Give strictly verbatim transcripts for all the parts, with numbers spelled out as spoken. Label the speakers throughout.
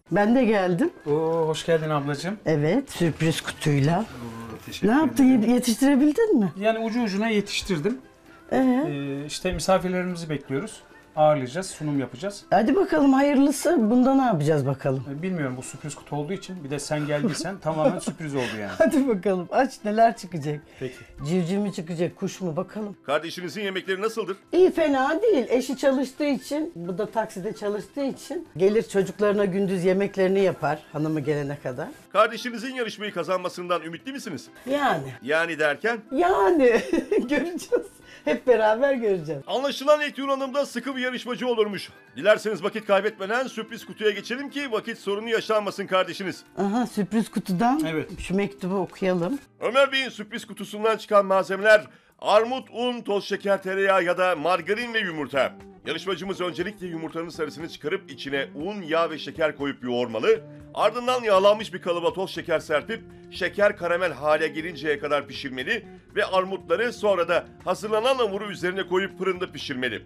Speaker 1: Ben de geldim.
Speaker 2: Oo, hoş geldin ablacığım.
Speaker 1: Evet, sürpriz kutuyla.
Speaker 2: Oo, teşekkür
Speaker 1: Ne yaptın?
Speaker 2: ederim.
Speaker 1: Yetiştirebildin mi?
Speaker 2: Yani ucu ucuna yetiştirdim.
Speaker 1: Ee,
Speaker 2: Ee, işte misafirlerimizi bekliyoruz. Ağırlayacağız, sunum yapacağız.
Speaker 1: hadi bakalım hayırlısı. Bunda ne yapacağız bakalım?
Speaker 2: Ee, bilmiyorum, bu sürpriz kutu olduğu için bir de sen geldiysen tamamen sürpriz oldu yani.
Speaker 1: Hadi bakalım. Aç, neler çıkacak?
Speaker 2: Peki.
Speaker 1: Civciv mi çıkacak, kuş mu bakalım.
Speaker 3: Kardeşinizin yemekleri nasıldır?
Speaker 1: İyi, fena değil. Eşi çalıştığı için, bu da takside çalıştığı için gelir çocuklarına gündüz yemeklerini yapar hanımı gelene kadar.
Speaker 3: Kardeşinizin yarışmayı kazanmasından ümitli misiniz?
Speaker 1: Yani,
Speaker 3: Yani derken?
Speaker 1: yani göreceğiz. Hep beraber göreceğiz.
Speaker 3: Anlaşılan İlknur Hanım da sıkı bir yarışmacı olurmuş. Dilerseniz vakit kaybetmeden sürpriz kutuya geçelim ki vakit sorunu yaşanmasın kardeşiniz.
Speaker 1: Aha, sürpriz kutudan
Speaker 2: Evet.
Speaker 1: şu mektubu okuyalım.
Speaker 3: Ömer Bey'in sürpriz kutusundan çıkan malzemeler armut, un, toz şeker, tereyağı ya da margarin ve yumurta. Yarışmacımız öncelikle yumurtanın sarısını çıkarıp içine un, yağ ve şeker koyup yoğurmalı. Ardından yağlanmış bir kalıba toz şeker serpip şeker karamel hale gelinceye kadar pişirmeli ve armutları sonra da hazırlanan hamuru üzerine koyup fırında pişirmeli.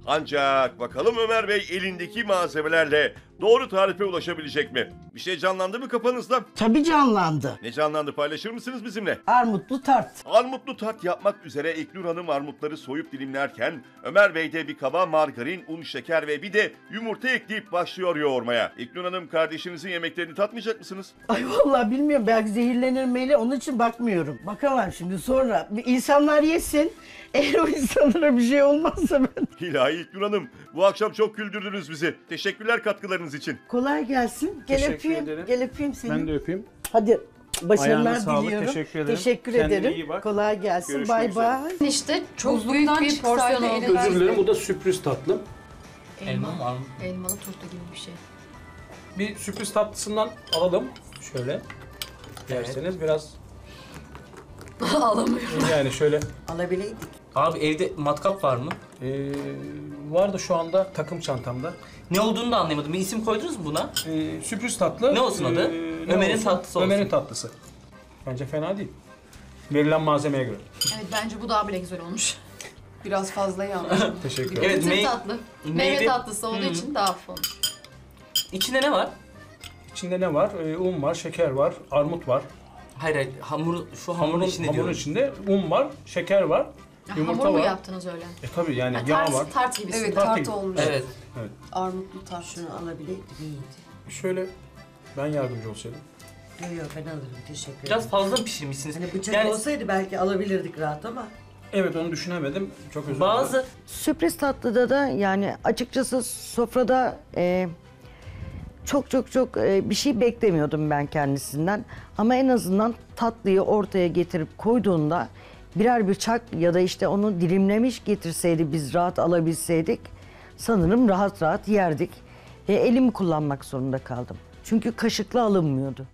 Speaker 3: Ancak bakalım Ömer Bey elindeki malzemelerle doğru tarife ulaşabilecek mi? Bir şey canlandı mı kafanızda?
Speaker 1: Tabii canlandı.
Speaker 3: Ne canlandı, paylaşır mısınız bizimle?
Speaker 1: Armutlu tart.
Speaker 3: Armutlu tat yapmak üzere İlknur Hanım armutları soyup dilimlerken Ömer Bey de bir kaba margarin, un, şeker ve bir de yumurta ekleyip başlıyor yoğurmaya. İlknur Hanım, kardeşinizin yemeklerini tatmayacak mısınız?
Speaker 1: Ay vallahi bilmiyorum, belki zehirlenir meyle, onun için bakmıyorum. Bakamam şimdi, sonra bir insanlar yesin. Eğer o insanlara bir şey olmazsa ben...
Speaker 3: İlahi İlknur Hanım, bu akşam çok güldürdünüz bizi. Teşekkürler katkılarınız için.
Speaker 1: Kolay gelsin. Gel
Speaker 2: Teşekkür
Speaker 1: öpeyim.
Speaker 2: ederim.
Speaker 1: Gel öpeyim seni.
Speaker 2: Ben de öpeyim.
Speaker 1: Hadi başarılar
Speaker 2: Ayağına sağlık,
Speaker 1: diliyorum.
Speaker 2: teşekkür ederim.
Speaker 1: Teşekkür
Speaker 2: Kendine
Speaker 1: ederim.
Speaker 2: iyi bak.
Speaker 1: Kolay gelsin.
Speaker 2: Görüşmek
Speaker 1: Bay
Speaker 2: üzere.
Speaker 1: bay.
Speaker 4: İşte çok
Speaker 5: Buzluktan
Speaker 4: büyük bir
Speaker 5: çıksaydı
Speaker 4: porsiyon
Speaker 5: eline
Speaker 4: oldu.
Speaker 2: Özür dilerim, bu da sürpriz tatlım.
Speaker 4: Elma,
Speaker 5: Elma var mı?
Speaker 4: elmalı turta gibi bir şey.
Speaker 2: Bir sürpriz tatlısından alalım. Şöyle. Derseniz biraz
Speaker 4: Alamıyorum.
Speaker 2: yani şöyle.
Speaker 1: Alabileydik.
Speaker 5: Abi evde matkap var mı?
Speaker 2: Ee, var da şu anda takım çantamda.
Speaker 5: Ne olduğunu da anlayamadım. Bir isim koydunuz mu buna?
Speaker 2: Ee, sürpriz tatlı.
Speaker 5: Ne olsun adı?
Speaker 2: ne
Speaker 5: Ömer'in
Speaker 2: olsun?
Speaker 5: tatlısı olsun.
Speaker 2: Ömer'in tatlısı. Bence fena değil. Verilen malzemeye göre.
Speaker 4: Evet, bence bu daha bile güzel olmuş.
Speaker 6: Biraz fazla yanlış.
Speaker 2: Teşekkür ederim.
Speaker 5: Evet,
Speaker 4: Meyve
Speaker 5: mey-
Speaker 4: tatlı. Meyve
Speaker 5: meyve-
Speaker 4: tatlısı olduğu
Speaker 5: Hı.
Speaker 4: için daha hafif olmuş.
Speaker 5: İçinde ne var?
Speaker 2: İçinde ne var? Ee, un var, şeker var, armut var.
Speaker 5: Hayır hayır, hamur, şu hamurun
Speaker 2: Hamurun,
Speaker 5: içinde
Speaker 2: hamurun
Speaker 5: diyorum.
Speaker 2: içinde un var, şeker var,
Speaker 4: Ya,
Speaker 2: yumurta
Speaker 4: hamur mu
Speaker 2: var.
Speaker 4: yaptınız öyle?
Speaker 2: E tabii yani
Speaker 4: Ha,
Speaker 2: yağ
Speaker 4: tart,
Speaker 2: var.
Speaker 4: tart gibisi.
Speaker 6: Evet,
Speaker 2: Tart
Speaker 6: tart
Speaker 2: gibi.
Speaker 6: olmuş.
Speaker 5: Evet.
Speaker 6: Armutlu tart.
Speaker 7: Şunu alabileydik iyiydi.
Speaker 2: Şöyle ben yardımcı olsaydım.
Speaker 7: Yok yok ben alırım, teşekkür ederim.
Speaker 5: Biraz fazla mı pişirmişsiniz?
Speaker 7: Hani bıçak
Speaker 5: Yani
Speaker 7: olsaydı belki alabilirdik rahat ama.
Speaker 2: Evet, onu düşünemedim. Çok özür dilerim.
Speaker 5: bazı
Speaker 8: Sürpriz tatlıda da yani açıkçası sofrada e, çok çok çok e, bir şey beklemiyordum ben kendisinden. Ama en azından tatlıyı ortaya getirip koyduğunda birer bıçak ya da işte onu dilimlemiş getirseydi, biz rahat alabilseydik sanırım rahat rahat yerdik. E, elimi kullanmak zorunda kaldım. Çünkü kaşıkla alınmıyordu.